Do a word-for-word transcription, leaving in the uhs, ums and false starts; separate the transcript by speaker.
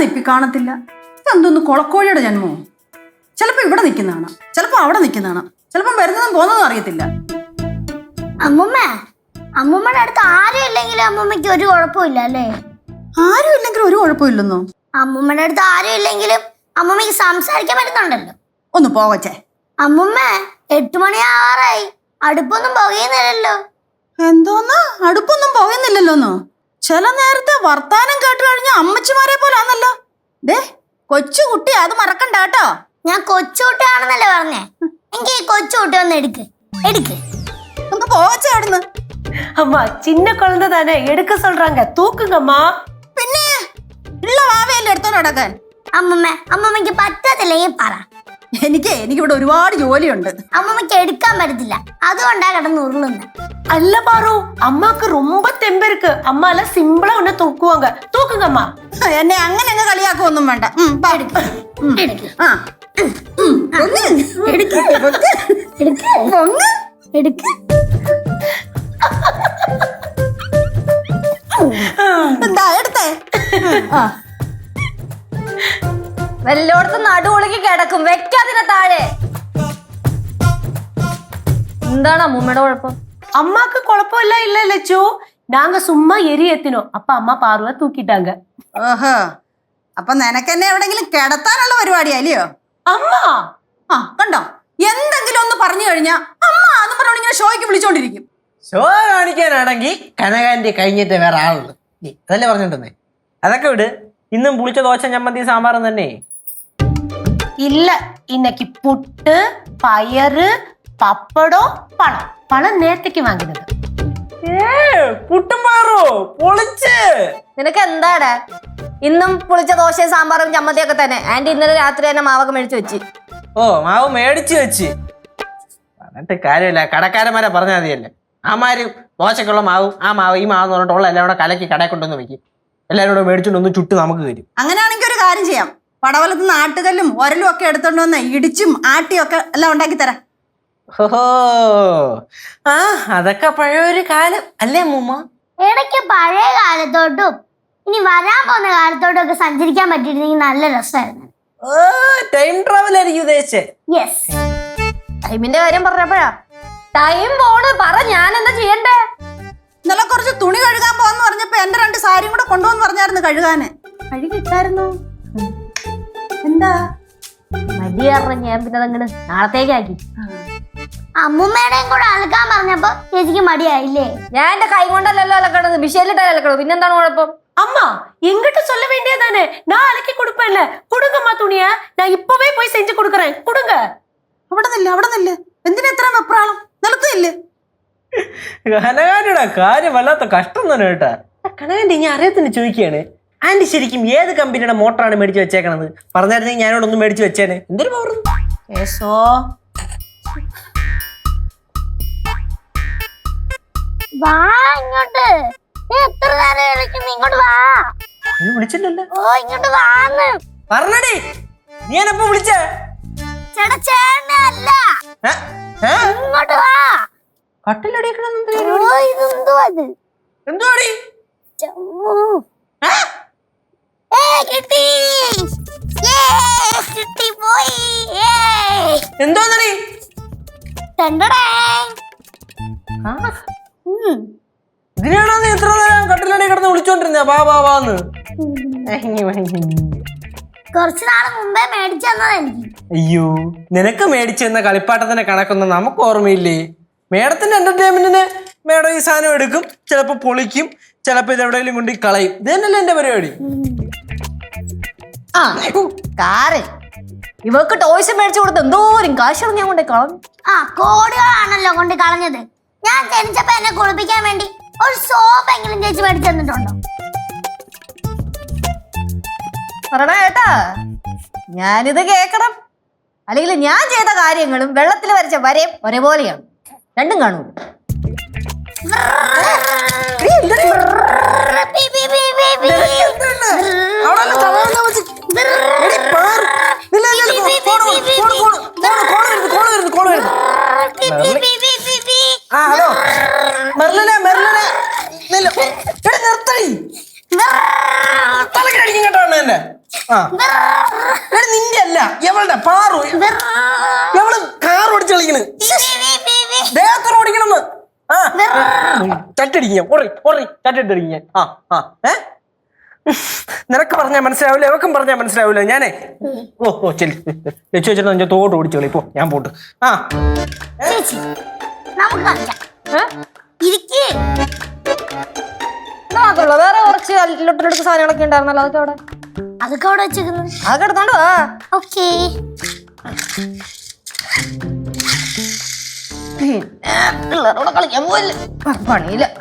Speaker 1: NIPI കാണത്തില്ല. ഇതെന്തോന്ന് കൊളക്കോഴിയുടെ ജന്മോ? ചിലപ്പോ ഇവിടെ നിൽക്കുന്നതാണ്, ചിലപ്പോ അവിടെ നിൽക്കുന്നതാണ്, ചിലപ്പം വരുന്നതും പോകുന്നതും അറിയത്തില്ല.
Speaker 2: അമ്മൂമ്മ, അമ്മൂമ്മയുടെ അടുത്ത് ആരും ഇല്ലെങ്കിലും അമ്മൂമ്മയ്ക്ക് ഒരു കുഴപ്പമില്ല അല്ലേ?
Speaker 1: ആരും ഇല്ലെങ്കിലും ഒരു കുഴപ്പമില്ലെന്നോ?
Speaker 2: അമ്മൂമ്മയുടെ അടുത്ത് ആരും ഇല്ലെങ്കിലും അമ്മൂമ്മയ്ക്ക് സംസാരിക്കാൻ പറ്റുന്നുണ്ടല്ലോ.
Speaker 1: ഒന്ന് പോവച്ചേ.
Speaker 2: അമ്മൂമ്മ, എട്ടു മണിയാറായി, അടുപ്പൊന്നും പുകയുന്നില്ലല്ലോ.
Speaker 1: എന്തോന്ന് അടുപ്പൊന്നും പോകുന്നില്ലല്ലോന്നോ? ചില നേരത്തെ വർത്താനം കേട്ട് കഴിഞ്ഞ അമ്മച്ചിമാരെ പോലാന്നല്ലോ. ദേ കൊച്ചു കുട്ടി, അത് മറക്കണ്ട കേട്ടോ.
Speaker 2: ഞാൻ കൊച്ചുകുട്ടിയാണെന്നല്ലേ പറഞ്ഞേ? എനിക്ക് ഈ കൊച്ചുകുട്ടി ഒന്ന് എടുക്ക് എടുക്ക്
Speaker 1: ഒന്ന് പോവച്ചേ അവിടുന്ന്.
Speaker 3: அம்மா சின்ன குழந்தை தானே எடுக்க சொல்றாங்க, தூக்குங்கம்மா.
Speaker 1: പിന്നെ ഉള്ള വാവയല്ലേ എടുത്തോണ്ട് നടക്കാൻ.
Speaker 2: അമ്മൂമ്മ, അമ്മൂമ്മയ്ക്ക് പറ്റത്തില്ലെങ്കിൽ പറ.
Speaker 1: എനിക്ക് എനിക്കിവിടെ ഒരുപാട് ജോലിയുണ്ട്.
Speaker 2: അമ്മൂമ്മയ്ക്ക് എടുക്കാൻ പറ്റത്തില്ല, അതുകൊണ്ടാ കിടന്ന് ഉരുളുന്നത്.
Speaker 3: அல்ல பாரு, அம்மாக்கு ரொம்ப தெம்பு இருக்கு. அம்மால சிம்பிளா ஒண்ணு தூக்குவாங்க. தூக்குங்கம்மா.
Speaker 1: എന്നെ അങ്ങനെ അങ്ങ് കളിയാക്കൊന്നും വേണ്ട. ഉം, പോ. ഉം.
Speaker 2: എടുക്ക്
Speaker 1: ആ. ഉം, പൊങ്ങ്.
Speaker 2: എടുക്ക് എടുക്ക്
Speaker 1: പൊങ്ങ്.
Speaker 2: എടുക്ക്.
Speaker 1: എന്താ എടുത്തേ? ആ.
Speaker 4: വല്ലോടത്ത് നടുവൊളുക്കി കിടക്കും, വെക്കാതിനെ താഴെ. എന്താണ് അമ്മൂമ്മയുടെ കുഴപ്പം?
Speaker 3: அம்மாக்கு குழப்பம் இல்ல இல்ல லட்சு, நாங்க சும்மா எரி ஏத்தினோம். அப்ப அம்மா பார்வை தூக்கிட்டாங்க.
Speaker 1: ഓഹോ, അപ്പൊ നിനക്കെന്നെ എവിടെങ്കിലും കിടത്താനുള്ള പരിപാടിയല്ലയോ?
Speaker 3: അമ്മ
Speaker 1: ആ കണ്ടോ, എന്തെങ്കിലും ഒന്ന് പറഞ്ഞു കഴിഞ്ഞാ അമ്മ എന്ന് പറഞ്ഞോണ്ട് ഇങ്ങനെ ഷോയ്ക്ക് വിളിച്ചോണ്ടിരിക്കും.
Speaker 5: ഷോ കാണിക്കാനാണെങ്കിൽ കനകാന്റെ കഴിഞ്ഞിട്ട് വേറെ ആളുണ്ട്. അതല്ലേ പറഞ്ഞിട്ടുണ്ടേ. അതൊക്കെ വിട്. ഇന്നും പുളിച്ച ദോശ ചമ്മന്തി സാമ്പാറും തന്നെ.
Speaker 3: இல்ல, இன்னைக்கு புட்டு பயறு பப்படம் பழம். பழம் நேத்துக்கு வாங்கினது.
Speaker 5: പുട്ടും പയറോ പൊളിച്ച്.
Speaker 4: നിനക്ക് എന്താടാ? ഇന്നും പുളിച്ച ദോശയും സാമ്പാറും ചമ്മന്തിയൊക്കെ തന്നെ. ആന്റി ഇന്നലെ രാത്രി തന്നെ മാവൊക്കെ മേടിച്ചു വെച്ച്.
Speaker 5: ഓ, മാവ് മേടിച്ചു വെച്ച് പറഞ്ഞിട്ട് കാര്യമില്ല. കടക്കാരന്മാരെ പറഞ്ഞാൽ മതിയല്ലേ. ആമാര് ദോശക്കുള്ള മാവും ആ മാവ് ഈ മാവ് എന്ന് പറഞ്ഞിട്ടുള്ള എല്ലാം കൂടെ കലക്കി കടയിൽ കൊണ്ടുവന്ന് വെക്കും. എല്ലാവരും കൂടെ മേടിച്ചോണ്ട് ഒന്ന് ചുട്ട് നമുക്ക് തരും.
Speaker 1: അങ്ങനെയാണെങ്കിൽ ഒരു കാര്യം ചെയ്യാം, പടവലത്ത് നാട്ടുകല്ലും ഒരലും ഒക്കെ എടുത്തോണ്ട് വന്ന് ഇടിച്ചും ആട്ടിയും ഒക്കെ എല്ലാം ഉണ്ടാക്കി തരാം.
Speaker 5: ഓഹോ, ആ അതൊക്കെ പഴയൊരു കാലം അല്ലേ മൂമ്മ?
Speaker 2: ഇടയ്ക്ക് പഴയ കാലത്തോട്ടും ഇനി വരാൻ പോകുന്ന കാലത്തോട്ടും ഒക്കെ സഞ്ചരിക്കാൻ പറ്റിയിരുന്നെങ്കിൽ നല്ല രസമായിരുന്നു.
Speaker 5: ഓ, ടൈം ട്രാവൽ ആയിരിക്കും ഉദ്ദേശിച്ചേ.
Speaker 2: യെസ്.
Speaker 4: ടൈമിന്റെ കാര്യം പറഞ്ഞപ്പോഴാ ടൈം പോണ്. പറ, ഞാൻ എന്താ ചെയ്യണ്ടേ?
Speaker 1: ഇന്നലെ കുറച്ച് തുണി കഴുകാൻ പോവാന്ന് പറഞ്ഞപ്പോ എന്റെ രണ്ട് സാരിയും കൂടെ കൊണ്ടുവന്ന് പറഞ്ഞായിരുന്നു കഴുകാന്. കഴുകിട്ടായിരുന്നു. എന്താ
Speaker 4: മടി കാരണം ഞാൻ പിന്നെ അതങ്ങനെ നാളത്തേക്കാക്കി.
Speaker 2: അമ്മൂമ്മയുടെയും കൂടെ അലക്കാൻ പറഞ്ഞപ്പോ ചേച്ചിക്ക് മടിയായില്ലേ?
Speaker 4: ഞാൻ എന്റെ കൈ കൊണ്ടല്ലല്ലോ അലക്കണത്, മിഷേലിട്ടാ അലക്കണത്. പിന്നെന്താണ് കുഴപ്പം?
Speaker 3: அம்மா எங்கிட்ட சொல்ல வேண்டியதானே? நான் அலக்கி கொடுப்பேன்ல. கொடுங்கம்மா துணிய, நான் இப்பவே போய் செஞ்சு கொடுக்கறேன். கொடுங்க.
Speaker 1: അവിടെ നില്ല അവിടെ നില്ല എന്തിനാ ഇത്ര വെപ്രാളം? നിലത്തില്ലേ?
Speaker 5: കനകാന്റിയുടെ കാര്യം വല്ലാത്ത കഷ്ടം തന്നെ കേട്ടാ. കനകാന്റി ഞാൻ അറിയത്തിന് ചോദിക്കുകയാണ്, ആന്റി ശരിക്കും ഏത് കമ്പനിയുടെ മോട്ടറാണ് മേടിച്ച് വെച്ചേക്കണത്? പറഞ്ഞായിരുന്നെങ്കിൽ ഞാനോടൊന്നും മേടിച്ച് വെച്ചേനെ. എന്തൊരു പവർ.
Speaker 3: ஏசோ
Speaker 2: വാ ഇങ്ങോട്ട്. നീ എത്ര നേരം വിളിക്കുന്നു? ഇങ്ങോട്ട് വാ.
Speaker 5: വിളിച്ചില്ലല്ലോ.
Speaker 2: ഓ, ഇങ്ങോട്ട് വാന്ന്
Speaker 5: പറഞ്ഞടി. നീ എന്നെപ്പോ വിളിച്ചേ?
Speaker 2: ചേട്ടാ, ചേട്ടനെ അല്ല, ഇങ്ങോട്ട് വാ.
Speaker 5: കട്ടിലടിക്കണം.
Speaker 2: ഓ, ഇതെന്തോ അത്?
Speaker 5: എന്തുവാടി?
Speaker 2: ചമ്മു. ഏ, കിട്ടി. ഏ, കിട്ടി പോയി. ഏ,
Speaker 5: എന്തോന്നടി?
Speaker 2: ടണ്ടടേ. ഉം.
Speaker 5: ഇതിനാണോ നീ ഇത്ര നേരം കട്ടിലടി കിടന്ന് വിളിച്ചോണ്ടിരുന്ന വാ വാ വാന്ന്?
Speaker 2: കുറച്ചു നാള് മുമ്പേ മേടിച്ചു തന്നത് എനിക്ക്.
Speaker 5: അയ്യോ, നിനക്ക് മേടിച്ചു തന്ന കളിപ്പാട്ടത്തിന്റെ കണക്കൊന്നും നമുക്ക് ഓർമ്മയില്ലേ? മേഡത്തിന്റെ എന്റർടൈൻമെന്റിന് മേഡം ഈ സാധനം എടുക്കും, ചിലപ്പോ പൊളിക്കും, ചിലപ്പോ ഇത് എവിടെയെങ്കിലും കൊണ്ട് കളയും. ഇത് തന്നെയല്ലേ എന്റെ പരിപാടി.
Speaker 4: ആ കാറ് ഇവക്ക് ടോയ്സ് മേടിച്ചു കൊടുത്ത് എന്തോരും കാശാണ് ഞാൻ കൊണ്ടേ കളഞ്ഞു.
Speaker 2: ആ, കോടികളാണല്ലോ കൊണ്ട് കളഞ്ഞത്. ഞാൻ ജനിച്ചപ്പോ എന്നെ കുളിപ്പിക്കാൻ വേണ്ടി ഒരു സോപ്പ് എങ്കിലും ചേച്ചി മേടിച്ചു തന്നിട്ടുണ്ടോ?
Speaker 4: പറയണ കേട്ടാ, ഞാനിത് കേക്കണം. അല്ലെങ്കിൽ ഞാൻ ചെയ്ത കാര്യങ്ങളും വെള്ളത്തിൽ വരച്ച വരയും ഒരേപോലെയാണ്. രണ്ടും കാണൂ.
Speaker 5: ഹലോ മെർലിനെ, മെർലിനെ നിർത്തടി. തലക്കടിക്കും കേട്ടോ എന്നെ. ആ എടി, നിന്റെ അല്ല എവളുടെ പാറു എവള് കാർ ഓടിച്ച് കളിക്കണ് ദേഹത്തോട് ഓടിക്കണെന്ന് ആ ചട്ടടിക്കാൻ ഓറി ഓറി ചട്ടടിക്കാൻ ആ ആ ഏ നിനക്ക് പറഞ്ഞാൽ മനസ്സിലാവില്ല എവക്കും പറഞ്ഞാൽ മനസ്സിലാവില്ല ഞാനേ ഓ ഓ ചെല്ലി ലച്ചു വെച്ചിട്ട് നിന്റെ തോട്ട് ഓടിച്ചു കളി പോ ഞാൻ പോട്ട് ആ
Speaker 2: ചേച്ചി നമുക്ക് കളിക്കാം ഇരിക്ക്
Speaker 4: മാത്രമല്ല വേറെ കുറച്ച് ഇലക്ട്രോണിക് സാധനങ്ങളൊക്കെ ഉണ്ടായിരുന്നല്ലോ അതൊക്കെ അവിടെ
Speaker 2: അതൊക്കെ അവിടെ വെച്ചേക്കുന്നു
Speaker 4: അതൊക്കെ എടുത്തോണ്ട് വാ
Speaker 2: ഓക്കേ
Speaker 4: പിള്ളേരോടെ കളിക്കാൻ പോയില്ല പണിയില്ല